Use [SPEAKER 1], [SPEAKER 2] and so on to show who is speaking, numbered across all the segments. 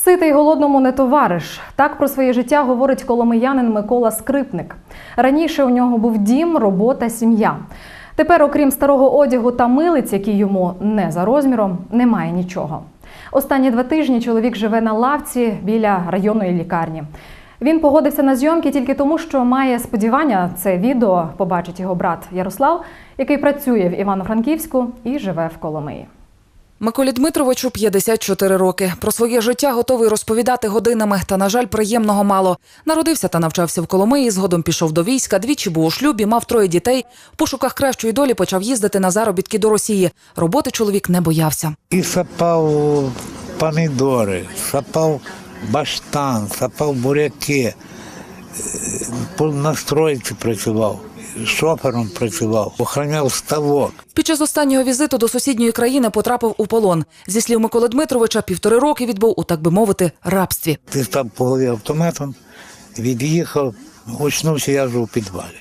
[SPEAKER 1] Ситий голодному не товариш. Так про своє життя говорить коломиянин Микола Скрипник. Раніше у нього був дім, робота, сім'я. Тепер, окрім старого одягу та милиць, які йому не за розміром, немає нічого. Останні 2 тижні чоловік живе на лавці біля районної лікарні. Він погодився на зйомки тільки тому, що має сподівання це відео побачить його брат Ярослав, який працює в Івано-Франківську і живе в Коломиї.
[SPEAKER 2] Миколі Дмитровичу 54 роки. Про своє життя готовий розповідати годинами, та, на жаль, приємного мало. Народився та навчався в Коломиї, згодом пішов до війська, двічі був у шлюбі, мав 3 дітей. В пошуках кращої долі почав їздити на заробітки до Росії. Роботи чоловік не боявся.
[SPEAKER 3] І сапав помідори, сапав баштан, сапав буряки, на стройці працював, шофером працював, охороняв ставок.
[SPEAKER 2] Під час останнього візиту до сусідньої країни потрапив у полон. Зі слів Миколи Дмитровича, 1,5 роки відбув у, так би мовити, рабстві.
[SPEAKER 3] Ти став по голові автоматом, від'їхав, очнувся я вже у підвалі.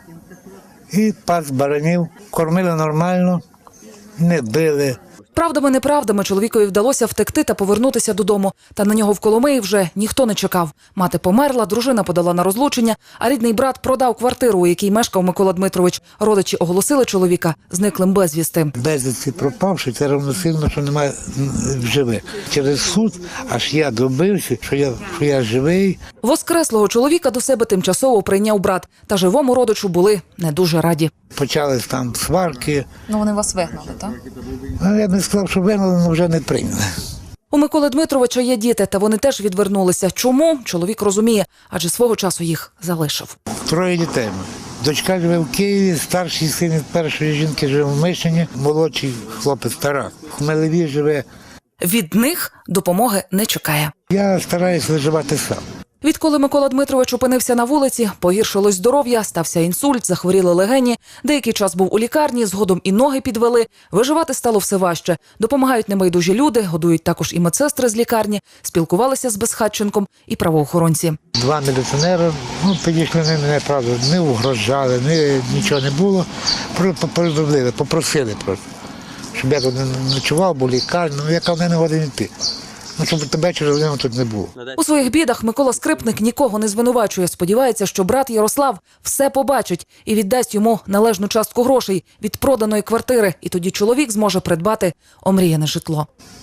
[SPEAKER 3] І пас баранів, кормили нормально, не били.
[SPEAKER 2] Правдами-неправдами чоловікові вдалося втекти та повернутися додому. Та на нього в Коломиї вже ніхто не чекав. Мати померла, дружина подала на розлучення, а рідний брат продав квартиру, у якій мешкав Микола Дмитрович. Родичі оголосили чоловіка зниклим безвісти.
[SPEAKER 3] Безвісти пропавши, це равносильно, що немає живих. Через суд аж я добився, що я живий.
[SPEAKER 2] Воскреслого чоловіка до себе тимчасово прийняв брат. Та живому родичу були не дуже раді.
[SPEAKER 3] Почались там сварки.
[SPEAKER 2] Вони вас вигнали, так?
[SPEAKER 3] Я не сказав, що вигнали, але вже не прийняли.
[SPEAKER 2] У Миколи Дмитровича є діти, та вони теж відвернулися. Чому? Чоловік розуміє, адже свого часу їх залишив.
[SPEAKER 3] 3 дітей. Дочка живе в Києві, старший син від першої жінки живе в Мишині, молодший хлопець Тарас. В Хмелеві живе.
[SPEAKER 2] Від них допомоги не чекає.
[SPEAKER 3] Я стараюся виживати сам.
[SPEAKER 2] Відколи Микола Дмитрович опинився на вулиці, погіршилось здоров'я, стався інсульт, захворіли легені. Деякий час був у лікарні, згодом і ноги підвели. Виживати стало все важче. Допомагають небайдужі люди, годують також і медсестри з лікарні, спілкувалися з безхатченком і правоохоронці.
[SPEAKER 3] 2 міліціонери, підійшли мене, правда, не угрожали, нічого не було. Повідомили, попросили просто, щоб я тут не ночував, бо лікарня, яка в мене годин йти. Щоб тебе через годину тут не було.
[SPEAKER 2] У своїх бідах Микола Скрипник нікого не звинувачує. Сподівається, що брат Ярослав все побачить і віддасть йому належну частку грошей від проданої квартири. І тоді чоловік зможе придбати омріяне житло.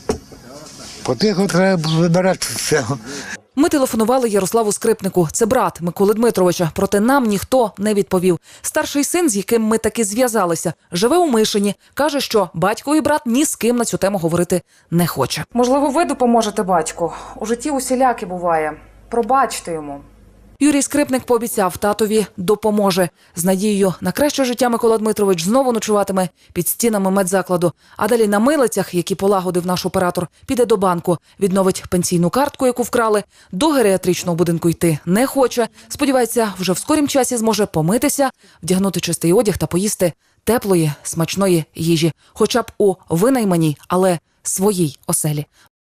[SPEAKER 3] Потихо треба вибирати з цього.
[SPEAKER 2] Ми телефонували Ярославу Скрипнику. Це брат Миколи Дмитровича. Проте нам ніхто не відповів. Старший син, з яким ми таки зв'язалися, живе у Мишині. Каже, що батько і брат ні з ким на цю тему говорити не хоче. Можливо, ви допоможете батьку. У житті усіляке буває. Пробачте йому. Юрій Скрипник пообіцяв, татові допоможе. З надією на краще життя Микола Дмитрович знову ночуватиме під стінами медзакладу. А далі на милицях, які полагодив наш оператор, піде до банку, відновить пенсійну картку, яку вкрали. До геріатричного будинку йти не хоче. Сподівається, вже в скорім часі зможе помитися, вдягнути чистий одяг та поїсти теплої, смачної їжі. Хоча б у винайманій, але своїй оселі.